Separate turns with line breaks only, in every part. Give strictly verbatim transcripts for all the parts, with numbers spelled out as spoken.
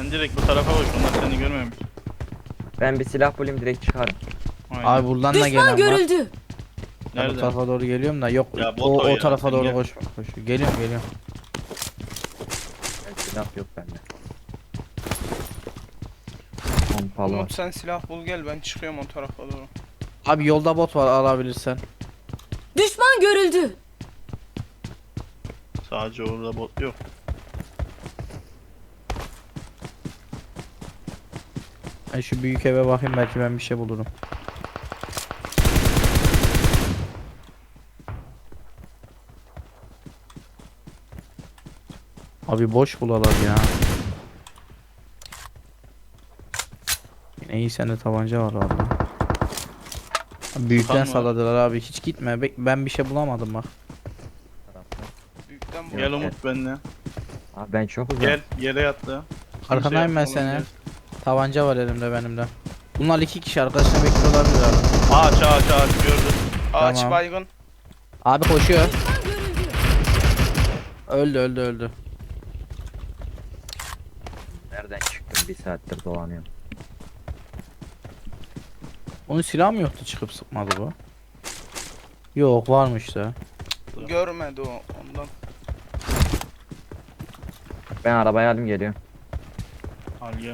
Sen direkt bu tarafa bak, onlar seni görmemiş.
Ben bir silah bulayım direkt çıkarım.
Aynen.
Abi buradan da gelen
Düşman
var.
görüldü.
Ben o
Nerede?
tarafa doğru geliyorum da yok.
Ya bot
o,
o
o
ya,
tarafa
sen
doğru
gel.
koş koşuyor. Geliyorum geliyorum.
Ben silah yok bende. Pompalı var.
Umut sen silah bul gel, ben çıkıyorum o tarafa doğru.
Abi yolda bot var, alabilirsen.
Düşman görüldü.
Sadece orada bot yok.
Ben şu büyük eve bakayım, belki ben bir şey bulurum. Abi boş bulalar ya. Yine iyi, sende tabanca var valla. Büyükten
Tutan mı var?
salladılar abi, hiç gitme. Bek- Ben bir şey bulamadım bak.
Büyükten bu.
Gel Umut benimle.
Abi ben çok uzak.
Gel yere yattı.
Arkandayım ben
Kimse
seni.
yapma,
Tabanca var elimde benim de. Bunlar iki kişi, arkadaşına bekliyor olabilir abi.
Ağaç ağaç ağaç gördüm.
Ağaç
Tamam.
baygın.
Abi koşuyor.
Düşman görüldü.
Öldü öldü öldü.
Nereden çıktım? Bir saattir dolanıyorum.
Onun silahı mı yoktu, çıkıp sıkmadı bu? Yok, varmış da.
Görmedi o ondan.
Ben arabaya aldım geliyor.
Al gel.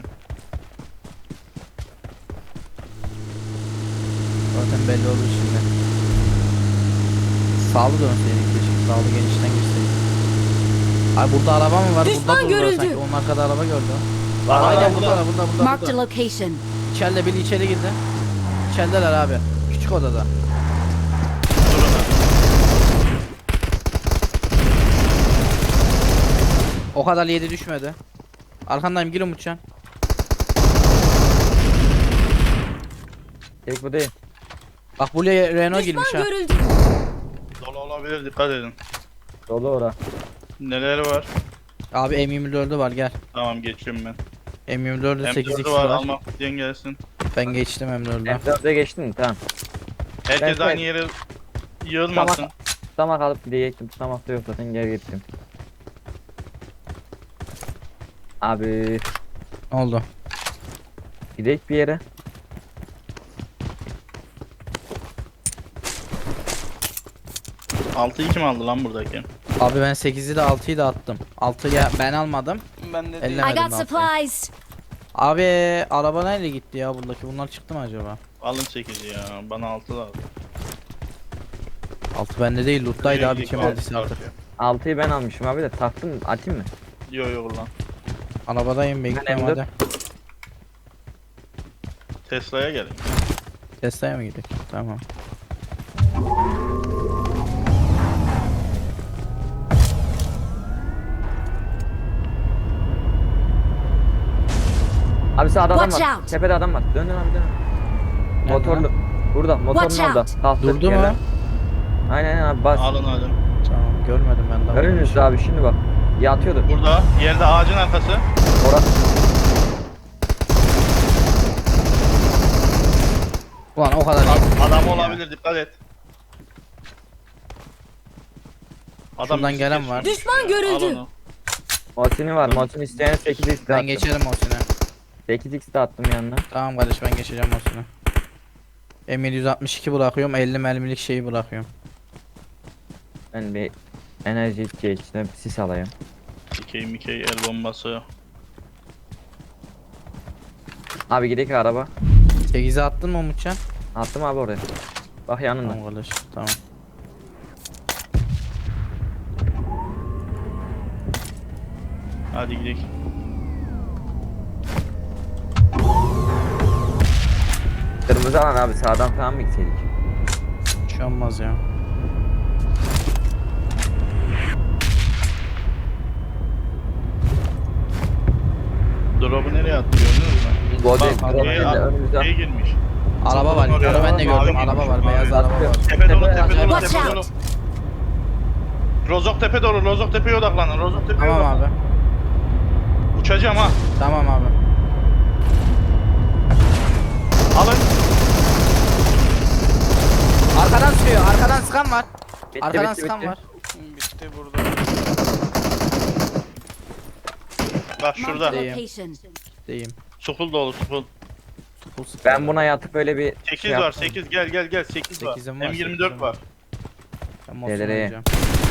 Zaten belli olur şimdi. Sağlı dönseydik keşke, sağlı genişten girseydik. Ay burada araba mı var?
Düşman
Burada durdular
görüldü.
sanki. Onun arkada araba gördü.
Var,
Aynen
var,
burada,
var.
burada, burada, burada.
Marked a location.
İçeride biri içeri girdi. İçerideler abi. Küçük odada.
Dur ona.
O kadar yedi düşmedi. Arkandayım, gir Umutcan.
Tek bu değil.
Bak buraya Renault
Düşman
girmiş ha.
görüldü.
Dolu olabilir, dikkat edin.
Dolu ora.
Neler var?
Abi M yirmi dördü var, gel.
Tamam geçiyorum ben.
M yirmi dördü sekiz
M dördü
x
var,
var.
almak isteyen gelsin.
Ben geçtim M dörde.
M dörde geçtin mi? Tamam.
Herkes
Ben-
aynı yere yığılmasın.
Tamam. Tutamak alıp gidecektim. Tutamak da yok zaten, geri gittim. Abi
Ne oldu?
gidelim bir yere.
altıyı kim aldı lan buradaki?
Abi ben sekizi de altıyı da attım. altıyı ben almadım.
Ben de
Elle-
değil.
I
Demedim
got
ne
supplies.
Abi araba neyle gitti ya buradaki? Bunlar çıktı mı acaba?
Alın sekizi ya, bana altı lazım.
altı bende değil, loot'taydı abi, kim
Yok,
aldıysa artık.
altıyı ben almışım abi de taktım, atayım mı?
Yok yok lan.
Arabadayım, bekliyorum
M dört.
hadi.
Tesla'ya gelin.
Tesla'ya mı gidelim? Tamam.
Abi sağda adam
Watch
var.
out.
Tepede adam var. Dön dön abi dön.
Nerede
Motorlu. Burada motorun
Watch
orada.
out.
Kalktı
Durdu
yerden.
mu?
Aynen aynen abi bas.
Alın alın.
Tamam, görmedim ben daha.
Önünüzde abi şimdi bak. Yatıyordu.
Burada yerde ağacın arkası.
Ora
Ulan o kadar iyi.
Adam olabilir, dikkat et.
Şuradan
bizi
gelen
kesiyor.
var.
Düşman görüldü.
Al onu.
Motini var. Motini isteyen sekiz x de
Ben
attım.
geçerim o sene.
sekiz x de attım yanına.
Tamam kardeş, ben geçeceğim o sene. M yedi altmış iki bırakıyorum, elli mermilik şeyi bırakıyorum.
Ben bir enerji içeceği içine bir sis alayım.
Mikey Mikey el bombası.
Abi gidelim araba.
sekize attın mı Umutcan?
Attım abi oraya. Bak yanında.
Tamam kardeş, tamam.
Hadi gidelim.
Kırmızı alan abi, sağdan falan mı gitseydik?
Bir şey olmaz ya.
Drop'u nereye attı gördünüz mü?
Body
Bak,
drop
şey,
değil de
al-
önümüzde.
şey girmiş.
Araba var,
Oraya-
onu ben de
Mavi
gördüm.
girmiş,
Araba var,
mavi.
beyaz araba var.
Tepe dolu, tepe
Tepe-
dolu,
Watch
tepe dolu.
out.
Rozok tepe dolu, Rozok tepeye odaklanın. Rozok tepeye
Tamam
odaklanın.
abi.
Uçacağım ha.
Tamam abi.
Alın.
Arkadan sıkıyor, arkadan sıkan var.
Bitti,
Arkadan
bitti,
sıkan
bitti.
var.
Bitti burada.
Bak
Marked
şurada.
a
Değil.
location.
Kitleyim.
Suful dolu suful.
Full sıfır.
Ben buna yatıp öyle bir
sekiz
şey
var
yaptım.
sekiz gel gel gel sekiz var.
Sekizim var,
M yirmi
sekizim
dört
var.
var.
Ben Mosun
Delireye.
oynayacağım.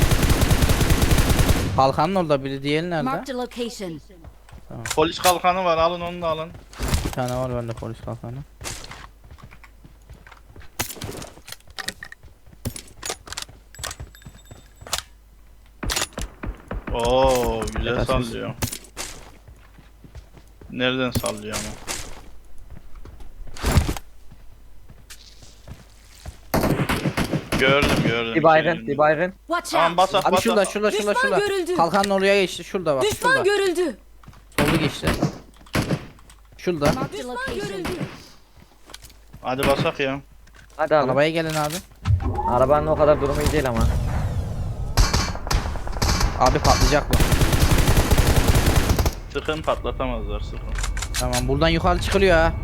Kalkanın orada biri, diğeri nerede?
Marked a location.
Polis kalkanı var alın onu da alın.
Bir tane var bende polis kalkanı.
Oo güzel
Yakasız.
sallıyor. Nereden sallıyor ama? Gördüm gördüm.
Bir baygın,
Şey,
bir baygın.
Watch
Tamam
out.
bas at
Abi
bas
şurada
at.
şurada şurada
Düşman
şurada.
görüldü.
Kalkanın oraya geçti. Şurada bak
Düşman
şurada.
görüldü.
Solu geçti. Şurada.
Marked a location.
Hadi basak ya.
Hadi abi.
Arabaya gelin abi.
Arabanın o kadar durumu iyi değil ama.
Abi patlayacak bu.
Sıkın patlatamazlar sıkın.
Tamam buradan yukarı çıkılıyor ha.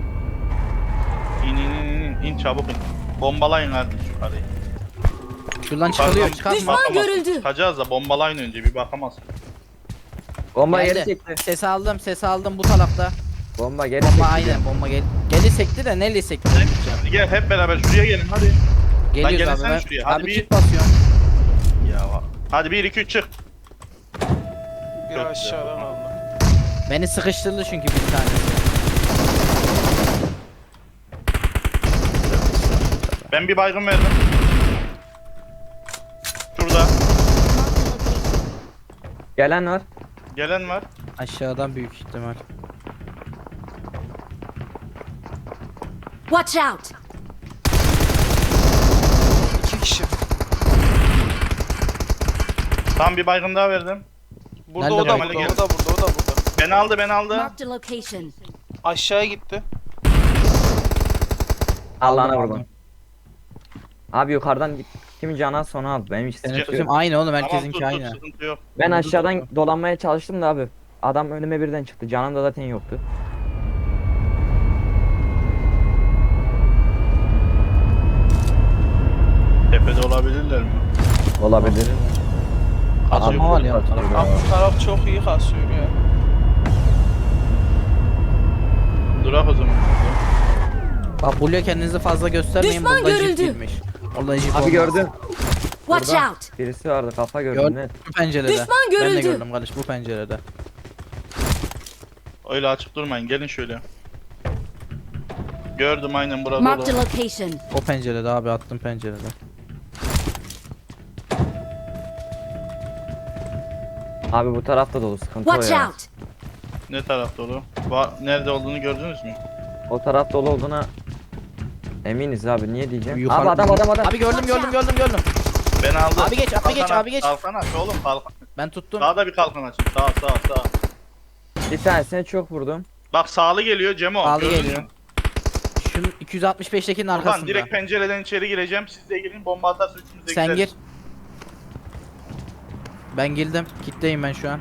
İn in in in in çabuk in. Bombalayın hadi yukarıyı.
Şuradan çıkılıyor.
Yukarıdan
Çıkartma.
Düşman
bakamazsın.
görüldü.
Çıkacağız da bombalayın önce bir bakamazsın.
Bomba geri
Geldi.
çekti.
Ses aldım, ses aldım bu tarafta.
Bomba geri
Bomba
çekti.
aynen bomba gel. Geli sekti de neyle sekti?
Hadi gel hep beraber şuraya gelin hadi.
Geliyoruz abi.
gelsene
Ben,
şuraya, hadi
abi
bir-
kit basıyorum.
Ya va- hadi bir iki üç çık.
Bir
Çok
aşağıda kaldı.
Beni sıkıştırdı çünkü bir tanesi.
Ben bir baygın verdim. Şurada.
Gelen var.
Gelen var.
Aşağıdan büyük ihtimal.
Watch out.
İki kişi.
Tam bir baygın daha verdim.
Burada
Nerede
o da
bu?
burada, o da burada, o da burada.
Beni aldı beni aldı.
Marked a location.
Aşağıya gitti.
Allah'ına
Aldım,
vurdum.
aldım.
Abi yukarıdan git. Kimin canı sonra al. Benim hiç
Senin
sıkıntı
tüzüm
yok.
aynı oğlum,
Tamam
herkesinki
tut tut
aynı.
sıkıntı yok.
Ben
Vurdu
aşağıdan
da.
dolanmaya çalıştım da abi. Adam önüme birden çıktı. Canım da zaten yoktu.
Tepede olabilirler mi?
Olabilir.
Kazma var ya bu tarafta.
Abi bu taraf çok iyi kasıyor ya.
Durak o zaman.
Bak buraya kendinizi fazla göstermeyin.
Düşman
Burada jip
görüldü.
girmiş. Orada jip
Abi
olmaz.
gördüm.
Watch
Burada.
out.
Birisi vardı kafa gördüm
Gördüm
net.
bu pencerede.
Düşman
Ben de
görüldü.
gördüm kardeş bu pencerede.
Öyle açık durmayın gelin şöyle. Gördüm aynen burada
Marked a
dolu.
location.
O pencerede abi, attım pencerede.
Abi bu tarafta dolu sıkıntı o
Watch
ya.
out.
Ne taraf dolu? Va- Nerede olduğunu gördünüz mü?
O taraf dolu olduğuna eminiz abi, niye diyeceğim.
Yukarı-
Abi adam adam adam.
Abi gördüm gördüm gördüm gördüm.
Ben aldım.
Abi geç, abi geç,
Kalkan
abi
aç,
geç.
Kalkan aç oğlum kalkan.
Ben tuttum.
Sağda bir kalkan açın. Sağ sağ sağ.
Bir tanesine çok vurdum.
Bak sağlı geliyor Cemo.
Sağlı
gördün
geliyor.
mü?
Şunun iki yüz altmış beştekinin
Ulan
arkasında.
direkt pencereden içeri gireceğim. Siz de girin bomba atarsa üçümüz de
Sen
gideriz.
gir. Ben girdim. Kitleyim ben şu an.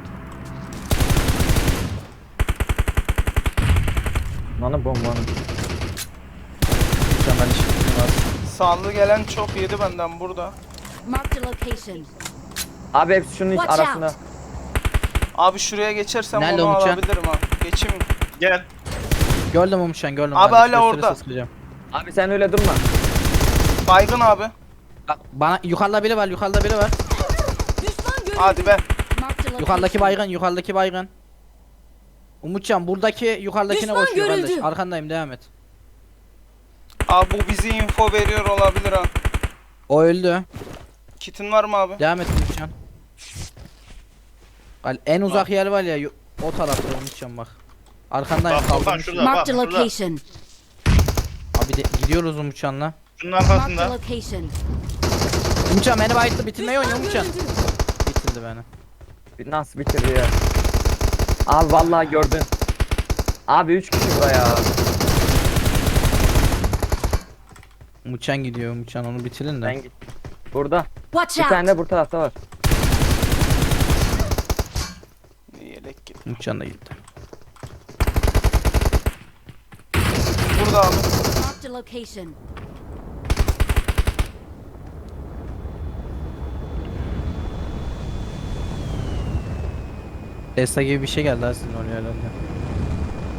Bana bombanın.
Mükemmel işim var.
Sağlı gelen çok yedi benden burada.
Marked a location.
Abi hepsi şunun iç
Watch
arasında.
out.
Abi şuraya geçersem
Nerede
onu
Umutcan?
alabilirim ha. Geçeyim.
Gel.
Gördüm Umutcan, gördüm.
Abi
kardeş,
hala
göstere
orada.
sıkacağım.
Abi sen öyle durma.
Baygın abi.
Bak bana yukarıda biri var, yukarıda biri var.
Düşman görüldü.
Hadi be.
Marked a location.
Yukarıdaki baygın, yukarıdaki baygın. Umutcan buradaki yukarıdakine
Düşman
koşuyor kardeş.
görüldü.
Arkandayım, devam et.
Abi bu bizi info veriyor olabilir ha.
O öldü.
Kitin var mı abi?
Devam et Umutcan. Bak, en uzak yer var ya, yu- o tarafta Umutcan bak. Arkandayım,
Bak, Volkan
kaldım.
şurada.
Marked a
Bak, şurada.
location.
Abi de, gidiyoruz Umutcan'la.
Şunun
Marked a
arkasında.
location.
Umutcan beni bayıttı, bitirmeyi oynuyor
Düşman
Umutcan.
görüldü.
Bitirdi beni.
Bir nasıl bitirdi ya. Abi vallahi gördün. Abi üç kişi buraya.
Umutcan gidiyor, Umutcan onu bitirin de.
Ben git. Burada.
Watch
Bir tane
out.
de bu tarafta var.
Yelek git.
Umutcan da gitti.
Burada abi.
Marked a location.
Tesla gibi bir şey geldi ha sizin oraya herhalde.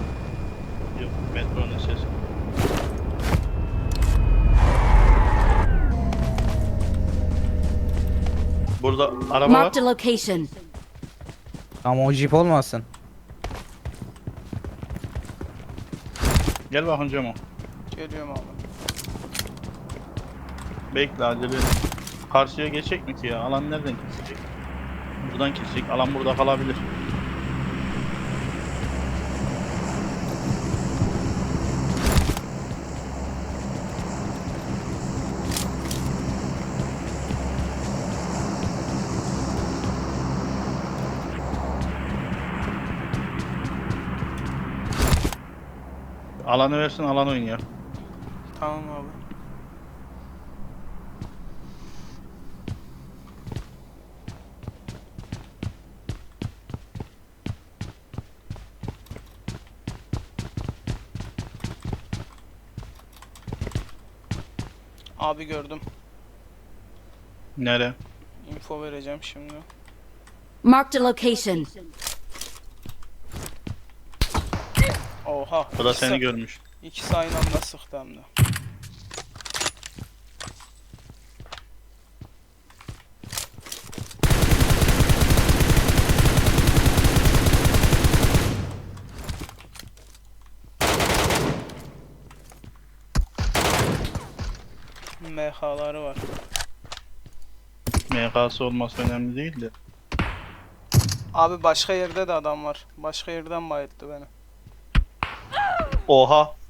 Metronun sesi. Burada araba var.
Marked a location.
Ama o jip olmasın.
Gel bakın Cemo.
Geliyorum abi.
Bekle acele. Karşıya geçecek mi ki ya? Alan nereden kesecek? Buradan kesecek. Alan burada kalabilir. Alanı versin, alan oynuyor.
Tamam abi. Abi gördüm.
Nere?
Info vereceğim şimdi.
Marked a location.
Oha.
O da
ikisi-
seni görmüş.
İkisi aynı anda sıktı hem de. M H'ları var.
M K'sı olması önemli değil de.
Abi başka yerde de adam var. Başka yerden bayılttı beni.
Oha!